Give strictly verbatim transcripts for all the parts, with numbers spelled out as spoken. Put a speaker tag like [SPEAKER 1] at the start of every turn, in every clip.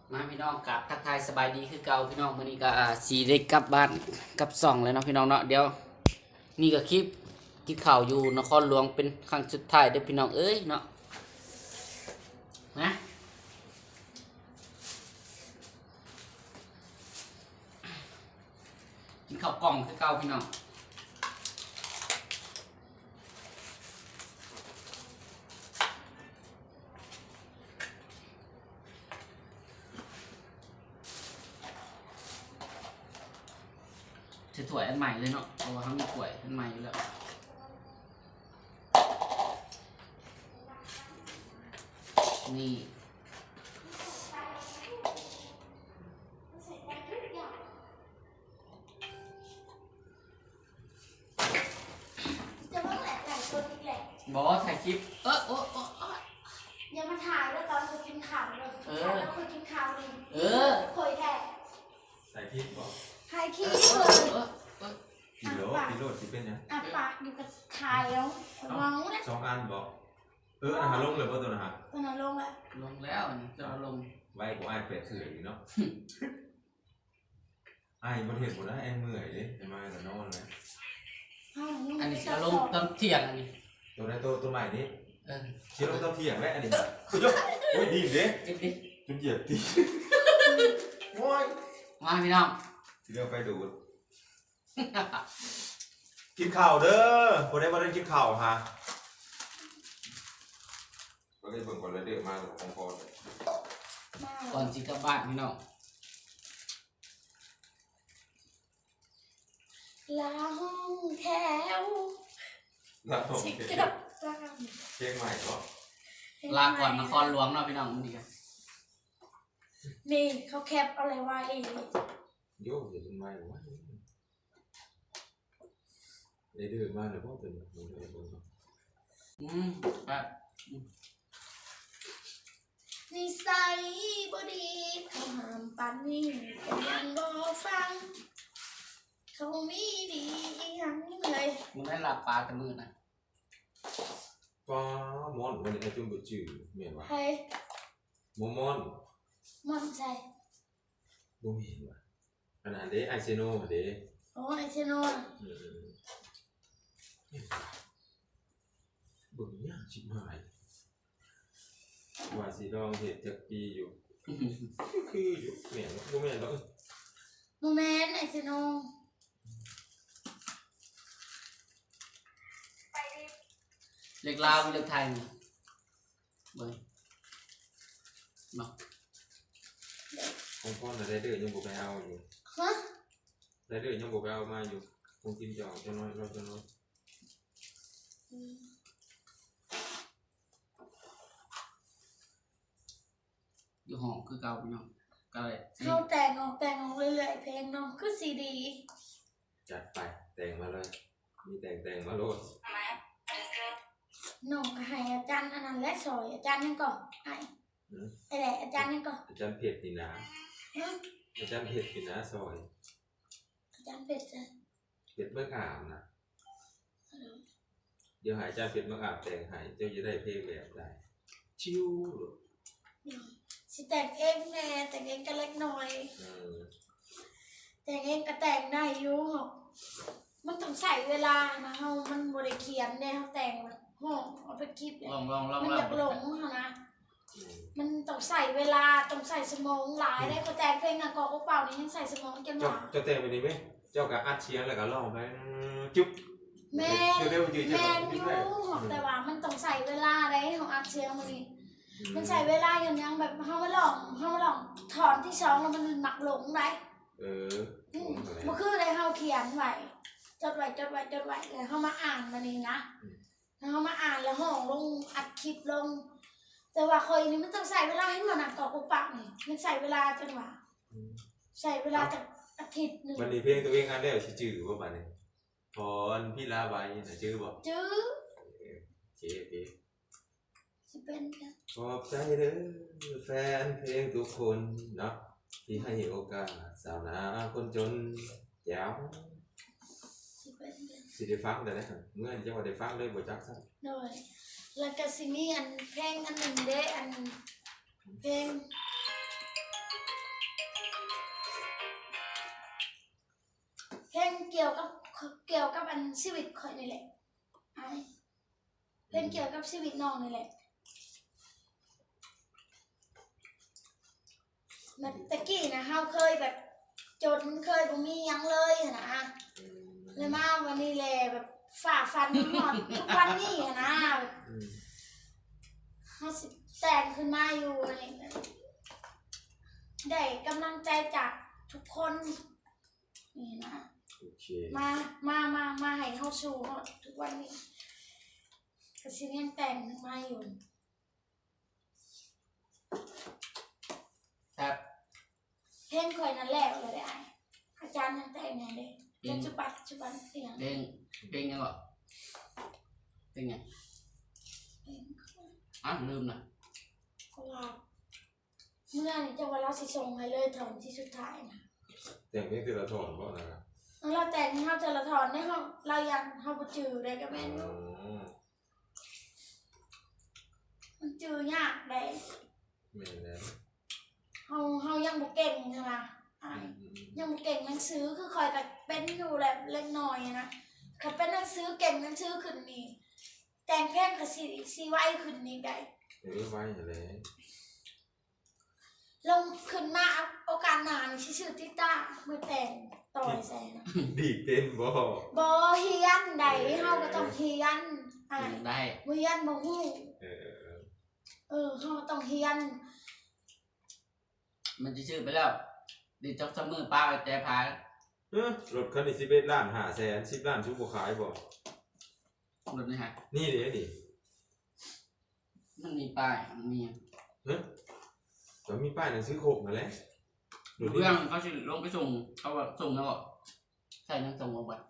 [SPEAKER 1] มาพี่น้องกับทักทายสบายดีคือเก่าพี่น้องมื้อนี้ก็สีได้กลับบ้านกับสองแล้วเนาะพี่น้องเนาะเดี๋ยวนี่ก็คลิปกินข้าวอยู่นครหลวงเป็นครั้งสุดท้ายเด้อพี่น้องเอ้ยเนาะนะกินข้าวกล่องคือเก่าพี่น้องจะถ้วยอันใหม่เลยเนาะเพราะว่าเขามีถ้วยอันใหม่อยู่แล้วนี่
[SPEAKER 2] จะว่าแหละหลายคนอีกแหละ
[SPEAKER 1] บอกถ่ายคลิปเออโอ้โอ้
[SPEAKER 2] อย่ามาถ่ายแล้วตอนเคยกินข่าวเลยเออแล้วเคยกินข่าวเลย
[SPEAKER 1] เออ
[SPEAKER 2] เคยแท้
[SPEAKER 3] ใส่พริกบ่
[SPEAKER 2] ถ่ายคลิปเลย
[SPEAKER 3] กิโลกิโลสิเป็นยัง
[SPEAKER 2] อ่ะปากอยู่กับถ่ายแล้วมองนะ
[SPEAKER 3] สองอันบ่เออนะฮะลงเลยบ่ตัวนะฮะ
[SPEAKER 2] ตอนนั้นลงแล้ว
[SPEAKER 1] ลงแล้วจะเอาลง
[SPEAKER 3] ไว้กูอ้ายเป็ดเถื่อนอยู่เนาะอ้ายบ่เห็นบ่ได้ไอ้เมื่อยเด้จะมาแต่นอนเลย
[SPEAKER 1] อันนี้จะลงตอนเที่ยงอันนี้
[SPEAKER 3] ตัวไหนตัวตัวใหม่นี้
[SPEAKER 1] เออ
[SPEAKER 3] เชื่อลงตอนเที่ยงแล้วอันนี้โอ้ยดีเด้จนเหยียบตีโอ้ย
[SPEAKER 1] มาพี่น้อง
[SPEAKER 3] สิเดี๋ยวไปดูกินข้าวเด้อบ่ได้บ่ได้กินข้าวฮะก็ได้เบิ่งก่อนแล้วเด้อมาของพ่อ
[SPEAKER 1] ก่อนสิกลับบ้านพี่น้อง
[SPEAKER 2] ลาห้องแถว
[SPEAKER 3] ลาห้องแถวเพลงใหม่ก็
[SPEAKER 1] ลาก่อนนครหลวงเนาะพี่น้องนี่กัน
[SPEAKER 2] นี่เขาแคปอะไรไว้
[SPEAKER 3] โย่อย่าเป็นไม้วะได้เดือดมากเลยพ่อเป็นแบบนี้เลยพ่อ
[SPEAKER 1] อืมครับ
[SPEAKER 2] นิสัยบ่ดีเขาห้ามปันนี่แต่ยังบ่ฟังเขามีดีอีหยังเลย
[SPEAKER 1] มึงได้หลับปลาแต่มือนะ
[SPEAKER 3] ป้ามอนวันนี้ไอ้จุ่มบุจืดเมียนวะ
[SPEAKER 2] ใคร
[SPEAKER 3] มมอน
[SPEAKER 2] มอนใช่
[SPEAKER 3] บ่มีวะอันนั้นเด้ไอเซโนเด้
[SPEAKER 2] โอ้ไอเซโน
[SPEAKER 3] บึงยากชิบหายว่าสีดองเห็ดจากปีอยู่คืออยู่เมียนบ่แม่นแล้ว
[SPEAKER 2] โมเมนต์ไอเซโน
[SPEAKER 1] เล็กลาวเล็กไทยนี่เบิ่งเนาะ
[SPEAKER 3] ของพ่อน่ะได้เด้อยังบ่ไปเอาอยู่
[SPEAKER 2] ฮะ
[SPEAKER 3] ได้เด้อยังบ่ไปเอามาอยู่คงกินจอกจะน้อยรอจะน้อย
[SPEAKER 1] อยู่ห้องคือเก่าพี่น้องก็เลย
[SPEAKER 2] เขาแต่งออกแต่งออกเรื่อยๆเพลงน้องคือซีดี
[SPEAKER 3] จัดไปแต่งมาเลยมีแต่งแต่งมาโลด
[SPEAKER 2] น้องก็ให้อาจารย์อันนั้นและสอยอาจารย์นั่นก่อนไอ้ไอ้แหละอาจารย์นั่นก่อน
[SPEAKER 3] อาจารย์เผ็ดนี่นะอาจารย์เผ็ดนี่นะซอย
[SPEAKER 2] อาจารย์เผ็ดจ้ะ
[SPEAKER 3] เผ็ดเมื่ออาบนะเดี๋ยวหายอาจารย์เผ็ดเมื่ออาบแต่งหายเจ้าจะได้เพลงแบบใดชิว
[SPEAKER 2] สิแต่งเองแน่แต่งเองก็เล็กน้อยแต่งเองก็แต่งได้อยู่มันต้องใส่เวลานะเฮามันบริเขียนเนี่ยเขาแต่งมันห้องเอาไปคลิปเลยมันอยากหลงเขานะมันต้องใส่เวลาต้องใส่สมองหลายได้ก็แต่งเพลงนะกอกเปล่านี่ยังใส่สมองจนหนา
[SPEAKER 3] เจ้าแต่งไปดีไหมเจ้ากับอัดเชียงแล้วก็ร้องไปจุ๊บ
[SPEAKER 2] แม่แม่ยูแต่ว่ามันต้องใส่เวลาได้ของอัดเชียงมันนี่มันใส่เวลาอย่างยังแบบเขามาลองเขามาลองถอนที่สองแล้วมันหมักหลงได้
[SPEAKER 3] เออ
[SPEAKER 2] เมื่อคืนเลยเขาเขียนไว้จดไว้จดไว้จดไว้เลยเขามาอ่านมันนี่นะแล้วเขามาอ่านแล้วห้องลงอัดคลิปลงแต่ว่าเคยนี่มันต้องใส่เวลาให้มันหนักกว่ากูปากนี่มันใส่เวลาจังหวะใส่เวลาจากอาทิตย์หนึ่ง
[SPEAKER 3] วันนี้เพลงตัวเองอันเดียวชื่อจื่อว่าบ้านนี้พรพี่ลาใบน่ะจื่อบ่
[SPEAKER 2] จื้อ
[SPEAKER 3] เจ๊เจ๊
[SPEAKER 2] สิเป็น
[SPEAKER 3] ขอบใจเด้อแฟนเพลงทุกคนเนาะที่ให้โอกาสสาวนาคนจนแจ๋วสิได้ฟังได้ครับเมื่อจะว่าได้ฟังเลยบ่จักซะ
[SPEAKER 2] โดยแล้วก็สิมีอันเพลงอันหนึ่งเด้อันเพลงกี่ยวกับเกี่ยวกับอันชีวิตข่อยนี่แหละไอ้เพลงเกี่ยวกับชีวิตน้องนี่แหละแบบตะกี้นะเฮาเคยแบบจนเคยบ่มีหยังเลยหั้นนะเลยมาวันนี้แหละแบบฝ่าฟันหอดทุกวันนี้หั้นนะแบบ
[SPEAKER 3] อืม
[SPEAKER 2] เฮาสิแต่งขึ้นมาอยู่อะไรแบบ ได้กำลังใจจากทุกคนนี่นะ
[SPEAKER 3] โอเค
[SPEAKER 2] มามามามาให้เข้าสู่ทุกวันนี้ก็สิยังแต่งมาอยู่
[SPEAKER 1] ครับ
[SPEAKER 2] เพลงข่อยนั่นแหละเลยได้อาจารย์นั่นแต่งไงเด้ปัจจุบันปัจจุบันเสียง
[SPEAKER 1] เพลงเพลงยังก่อนเพลงไง
[SPEAKER 2] เพลง
[SPEAKER 1] อ่ะลืมนะ
[SPEAKER 2] ก็ว่าเมื่อนี่จะว่าเราสิส่งให้เลยถอนที่สุดท้ายนะ
[SPEAKER 3] แต่งเพลงแต่ละถอนบ่นะครับ
[SPEAKER 2] แล้วเราแต่งให้เฮาจะละถอนได้เฮาเรายังเฮาบ่จือได้ก็แม่น
[SPEAKER 3] อ๋อ
[SPEAKER 2] มันจือยากได้
[SPEAKER 3] แม่นแล้ว
[SPEAKER 2] เฮาเฮายังบ่เก่งใช่ไหมอ่า
[SPEAKER 3] อืม
[SPEAKER 2] ยังบ่เก่งหนังสือคือคอยแต่เป็นอยู่แหละเล็กน้อยนะถ้าเป็นหนังสือเก่งหนังสือขึ้นนี่แต่งเพลงก็สิสิไวขึ้นนี่ได้
[SPEAKER 3] เดี๋ยวไว้หั่นแหละ
[SPEAKER 2] ลงขึ้นมาโอกาสหน้านี่สิชื่อติต้ามือแต่งต่อยใส่นะ
[SPEAKER 3] ดีเต้นบ่
[SPEAKER 2] บ่เฮียนใดเฮาก็ต้องเฮียนอ่า
[SPEAKER 1] ได้
[SPEAKER 2] บ่เฮียนบ่ฮู้
[SPEAKER 3] เออเออเออ
[SPEAKER 2] เออเฮาต้องเฮียน
[SPEAKER 1] มันจะชื่อไปแล้วดิจ็อกซัมเมอร์ป้าไปแต่พาย
[SPEAKER 3] เอ้อรถคันนี้สิบเอ็ดล้านห้าแสนสิบล้านชุบบ่ขายบ่
[SPEAKER 1] รถนี่ฮะ
[SPEAKER 3] นี่เด้นี่
[SPEAKER 1] มันมีป้ายมันมี
[SPEAKER 3] เฮ้ยก็มีป้ายหนังสือโคกนั่นแหละดูดิ
[SPEAKER 1] เรื่องเขาสิลงไปส่งเขาแบบส่งแล้วก็ใช่นั่งส่งมาบ่อย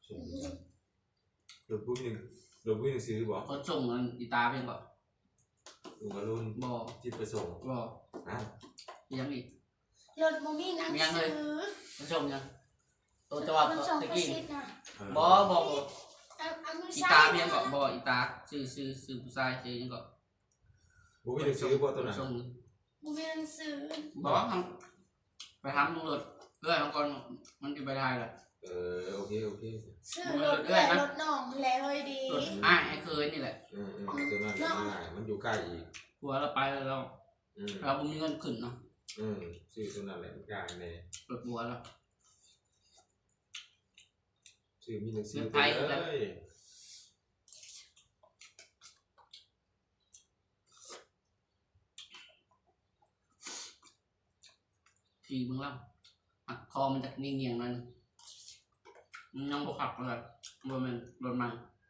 [SPEAKER 3] รถผู้หนึ่งรถผู้หนึ่งซื้อบ่
[SPEAKER 1] เขาส่งมันอีตาเพียงก่อน
[SPEAKER 3] ลุงอรุณ
[SPEAKER 1] บ่
[SPEAKER 3] จิตประสงค์
[SPEAKER 1] บ่
[SPEAKER 3] อ่ะ
[SPEAKER 1] ยังอีก
[SPEAKER 2] รถบ่มีหนังสือ
[SPEAKER 1] มันส่งยังตัวจังหวัด
[SPEAKER 2] มันส่ง
[SPEAKER 1] ตะ
[SPEAKER 2] ประ
[SPEAKER 1] กี้
[SPEAKER 2] สิทธิ์นะ
[SPEAKER 1] บ่บ่บ่
[SPEAKER 2] เอาเอามือ
[SPEAKER 1] อี
[SPEAKER 2] ซ้า
[SPEAKER 1] ตาย เพียงก่อนบ่อีตาซื้อซื้อซื้อผู้ชายซื้อยังก่อน
[SPEAKER 3] ผู้หนึ่งซื้อบ่ตัวนั้น
[SPEAKER 1] ส่ง
[SPEAKER 2] บ่มีหนังสือ
[SPEAKER 1] บ่ทำไปทำตำรวจเพื่อนของก่อนมันจะไปได้เลย
[SPEAKER 3] เออโอเคโอเค
[SPEAKER 2] ซื้อรถเอื้อยรถน้องแหละเฮ้ยดี
[SPEAKER 1] รถอ้ายไอ้เคยนี่แหละ
[SPEAKER 3] อืมอืมตัวนั้นง่ายมันอยู่ใกล้อีก
[SPEAKER 1] หัวเราไปแล้วเรา
[SPEAKER 3] อืม
[SPEAKER 1] เราบ่มีเงินขึ้นเนาะ
[SPEAKER 3] อืมซื้อตัวนั้นแหละมันง่ายแน่
[SPEAKER 1] รถหัวเรา
[SPEAKER 3] ซื้อมีหนังสือ
[SPEAKER 1] เงิน
[SPEAKER 3] ไป
[SPEAKER 1] ไทย
[SPEAKER 3] เล
[SPEAKER 1] แล้ว
[SPEAKER 3] ย
[SPEAKER 1] ขี่เบิ่งแล้วหักคอมันจากเงียงๆมันมันยังบ่ขับเลยบ่แม่นรถมัน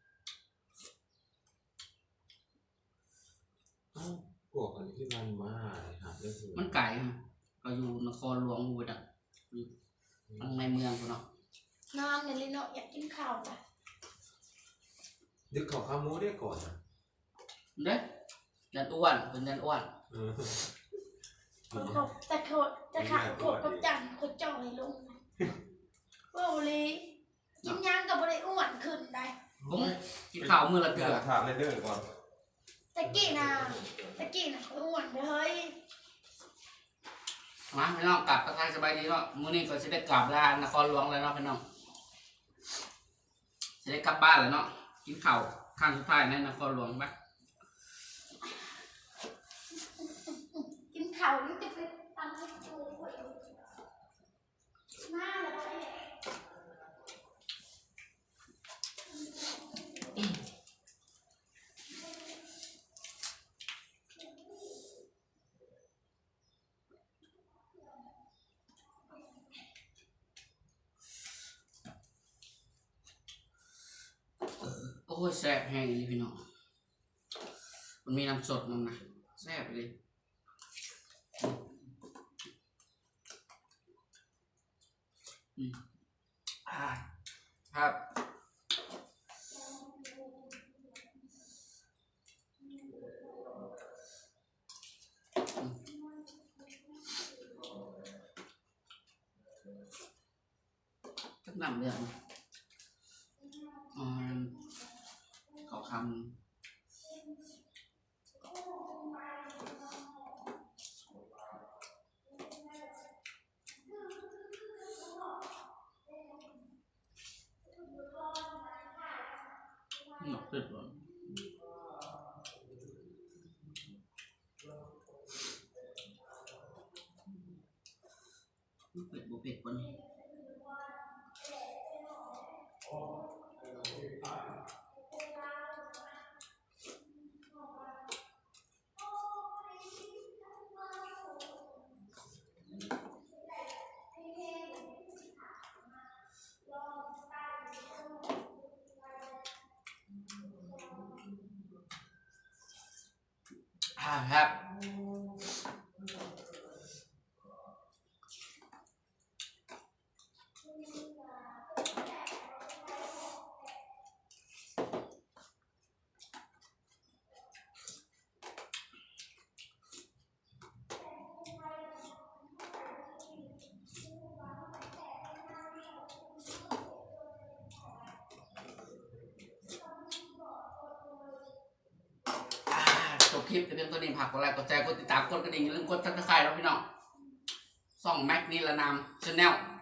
[SPEAKER 3] เอ้าพวกอันนี้ที่มันมาหาเรื่อง
[SPEAKER 1] มันไกลฮะเราอยู่นครหลวงอยู่ดักทางในเมืองพุ่นเนาะ
[SPEAKER 2] นอนในลิโนอยากกินข้าวอ่ะ
[SPEAKER 3] ดึกเขาข้าวหมูได้ก่อนนะ
[SPEAKER 1] เด้ยันอ้วนเป็นยันอ้วน
[SPEAKER 3] เออ
[SPEAKER 2] คนขบแต่โคตรแต่ขาโคตรกับจันโคตรจ่อยลงว่าเลยกินย่างกับบริอ้วนขึ้นได้
[SPEAKER 1] ผมกินข้าวมื้อละเทื่อ
[SPEAKER 3] ถามในเรื่องก่อน
[SPEAKER 2] ตะกี้นะตะกี้นะเขาอ้วนเลยเฮ้ย
[SPEAKER 1] มาพี่น้องกลับทักทายสบายดีเนาะมื้อนี้ก็สิได้กลับลานครหลวงแล้วเนาะพี่น้องสิได้กลับบ้านแล้วเนาะกินข้าวครั้งสุดท้ายในนครหลวงปะ
[SPEAKER 2] กินข้าวนี่จะไปตำให้ดูหน้าเลย
[SPEAKER 1] โอ้ยแซ่บแห้งเลยพี่น้องมันมีน้ำสดมันนะแซ่บไปเลยอืมอ่าครับอืมจักน้ำเดือดนะอืมเขาคำหนักสุดเลยเผ็ดบุเผ็ดปนอ่าครับ จบคลิปจะเพียงตัวนี้ผักกดไลค์กดแชร์กดติดตามกดกระดิ่งอย่าลืมกดซับสไครต์แล้วพี่น้องส่องแม็กนี่ละนามชาแนล